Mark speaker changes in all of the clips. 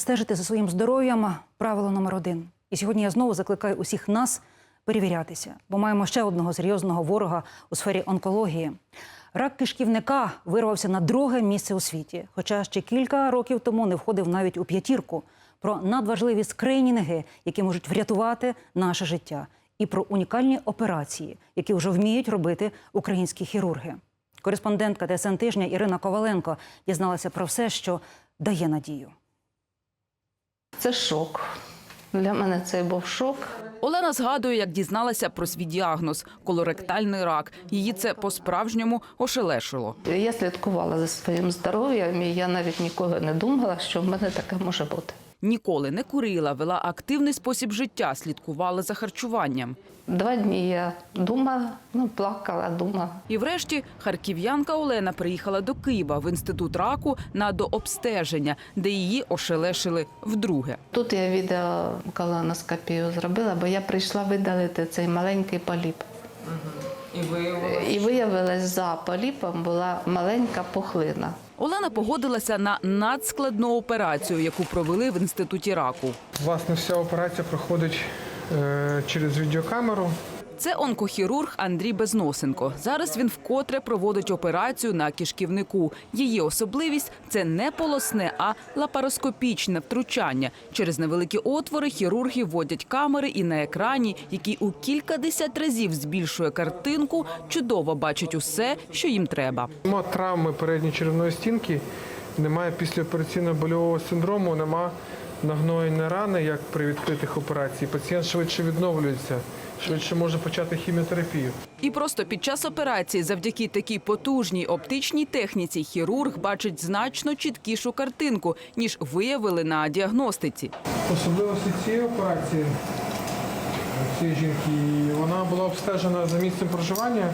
Speaker 1: стежити за своїм здоров'ям – правило номер 1. І сьогодні я знову закликаю усіх нас перевірятися, бо маємо ще одного серйозного ворога у сфері онкології. Рак кишківника вирвався на 2-ге місце у світі, хоча ще кілька років тому не входив навіть у 5-ку. Про надважливі скринінги, які можуть врятувати наше життя. І про унікальні операції, які вже вміють робити українські хірурги. Кореспондентка ТСН «Тижня» Ірина Коваленко дізналася про все, що дає надію.
Speaker 2: Це шок. Для мене це був шок.
Speaker 3: Олена згадує, як дізналася про свій діагноз – колоректальний рак. Її це по-справжньому ошелешило.
Speaker 2: Я слідкувала за своїм здоров'ям, і я навіть ніколи не думала, що в мене таке може бути.
Speaker 3: Ніколи не курила, вела активний спосіб життя, слідкувала за харчуванням.
Speaker 2: 2 дні я думала, плакала, думала.
Speaker 3: І врешті харків'янка Олена приїхала до Києва в інститут раку на дообстеження, де її ошелешили вдруге.
Speaker 2: Тут я відеоколоноскопію зробила, бо я прийшла видалити цей маленький поліп. І виявилось, за поліпом була маленька пухлина.
Speaker 3: Олена погодилася на надскладну операцію, яку провели в інституті раку.
Speaker 4: Власне, вся операція проходить через відеокамеру.
Speaker 3: Це онкохірург Андрій Безносенко. Зараз він вкотре проводить операцію на кишківнику. Її особливість – це не полосне, а лапароскопічне втручання. Через невеликі отвори хірурги вводять камери і на екрані, який у кількадесят разів збільшує картинку, чудово бачать усе, що їм треба.
Speaker 4: Нема травми передньої черевної стінки, немає післяопераційного больового синдрому, нема нагноєння рани, як при відкритих операціях. Пацієнт швидше відновлюється, швидше може почати хіміотерапію.
Speaker 3: І просто під час операції завдяки такій потужній оптичній техніці хірург бачить значно чіткішу картинку, ніж виявили на діагностиці.
Speaker 4: Особливості цієї операції, цієї жінки, вона була обстежена за місцем проживання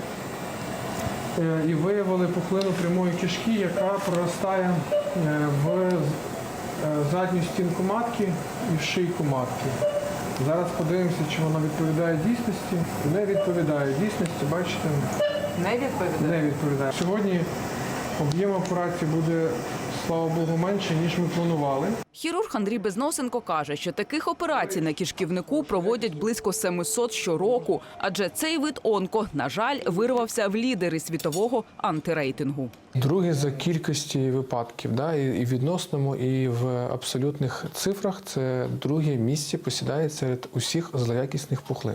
Speaker 4: і виявили пухлину прямої кишки, яка проростає в задню стінку матки і в шийку матки. Зараз подивимося, чи вона відповідає дійсності. Не відповідає дійсності, бачите?
Speaker 3: Не відповідає?
Speaker 4: Не відповідає. Сьогодні об'єм операції буде, слава Богу, менше, ніж ми планували.
Speaker 3: Хірург Андрій Безносенко каже, що таких операцій на кишківнику проводять близько 700 щороку, адже цей вид онко, на жаль, вирвався в лідери світового антирейтингу.
Speaker 4: Другий за кількості випадків, і в відносному, і в абсолютних цифрах, це друге місце посідає серед усіх злоякісних пухлин.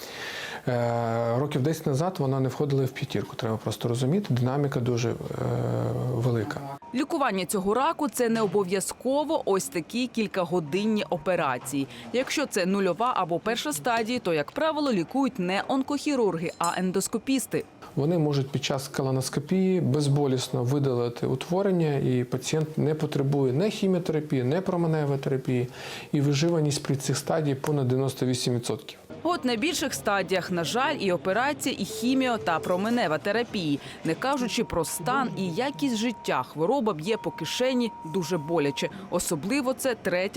Speaker 4: Років 10 назад вона не входила в 5-ку, треба просто розуміти, динаміка дуже велика.
Speaker 3: Лікування цього раку – це не обов'язково ось такі кількагодинні операції. Якщо це 0-ва або 1-ша стадії, то, як правило, лікують не онкохірурги, а ендоскопісти.
Speaker 4: Вони можуть під час колоноскопії безболісно видалити утворення, і пацієнт не потребує ні хіміотерапії, ні променевої терапії, і виживаність при цих стадіях понад 98%.
Speaker 3: От на більших стадіях, на жаль, і операція, і хіміо та променева терапії. Не кажучи про стан і якість життя, хвороба б'є по кишені дуже боляче. Особливо це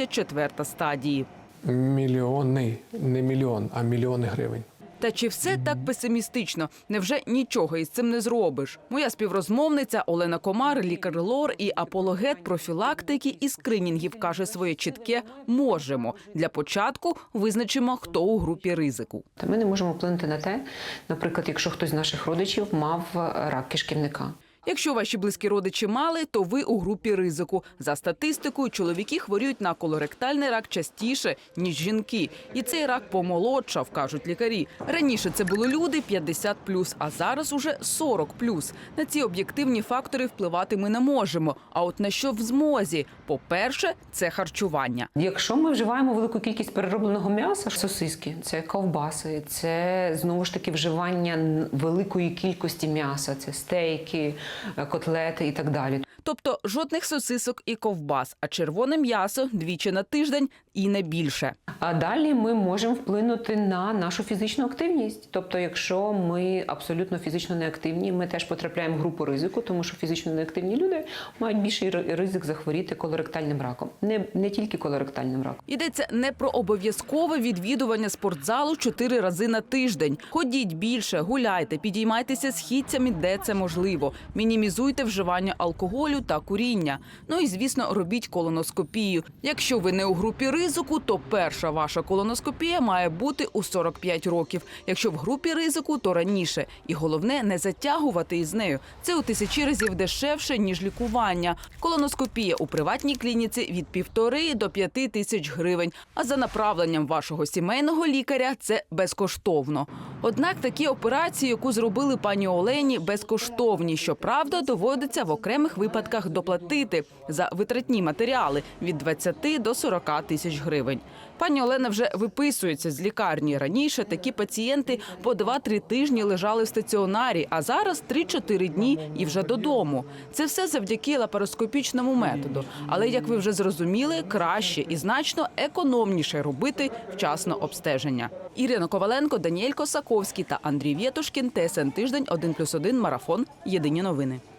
Speaker 3: 3-4 стадії.
Speaker 4: Мільйони, не мільйон, а мільйони гривень.
Speaker 3: Та чи все так песимістично? Невже нічого із цим не зробиш? Моя співрозмовниця Олена Комар, лікар-лор і апологет профілактики і скринінгів, каже своє чітке «можемо». Для початку визначимо, хто у групі ризику.
Speaker 5: Ми не можемо вплинути на те, наприклад, якщо хтось з наших родичів мав рак кишківника.
Speaker 3: Якщо ваші близькі родичі мали, то ви у групі ризику. За статистикою, чоловіки хворіють на колоректальний рак частіше, ніж жінки. І цей рак помолодшав, кажуть лікарі. Раніше це були люди 50+, а зараз уже 40+. На ці об'єктивні фактори впливати ми не можемо. А от на що в змозі? По-перше, це харчування.
Speaker 5: Якщо ми вживаємо велику кількість переробленого м'яса, сосиски, це ковбаси, це знову ж таки вживання великої кількості м'яса, це стейки, котлети і так далі.
Speaker 3: Тобто жодних сосисок і ковбас, а червоне м'ясо 2 на тиждень і не більше.
Speaker 5: А далі ми можемо вплинути на нашу фізичну активність. Тобто, якщо ми абсолютно фізично неактивні, ми теж потрапляємо в групу ризику, тому що фізично неактивні люди мають більший ризик захворіти колоректальним раком. Не тільки колоректальним раком.
Speaker 3: Йдеться не про обов'язкове відвідування спортзалу 4 рази на тиждень. Ходіть більше, гуляйте, підіймайтеся східцями, де це можливо. Мінімізуйте вживання алкоголю алкоголю та куріння. Ну і, звісно, робіть колоноскопію. Якщо ви не у групі ризику, то перша ваша колоноскопія має бути у 45 років. Якщо в групі ризику, то раніше. І головне – не затягувати із нею. Це у 1000 разів дешевше, ніж лікування. Колоноскопія у приватній клініці від 1,5 до 5 тисяч гривень. А за направленням вашого сімейного лікаря – це безкоштовно. Однак такі операції, яку зробили пані Олені, безкоштовні. Щоправда, доводиться в окремих випадках доплатити за витратні матеріали від 20 до 40 тисяч гривень. Пані Олена вже виписується з лікарні. Раніше такі пацієнти по 2-3 тижні лежали в стаціонарі, а зараз 3-4 дні і вже додому. Це все завдяки лапароскопічному методу. Але, як ви вже зрозуміли, краще і значно економніше робити вчасно обстеження. Ірина Коваленко, Даніель Косаковський та Андрій Вєтушкін. ТСН Тиждень, 1+1, Марафон. Єдині новини.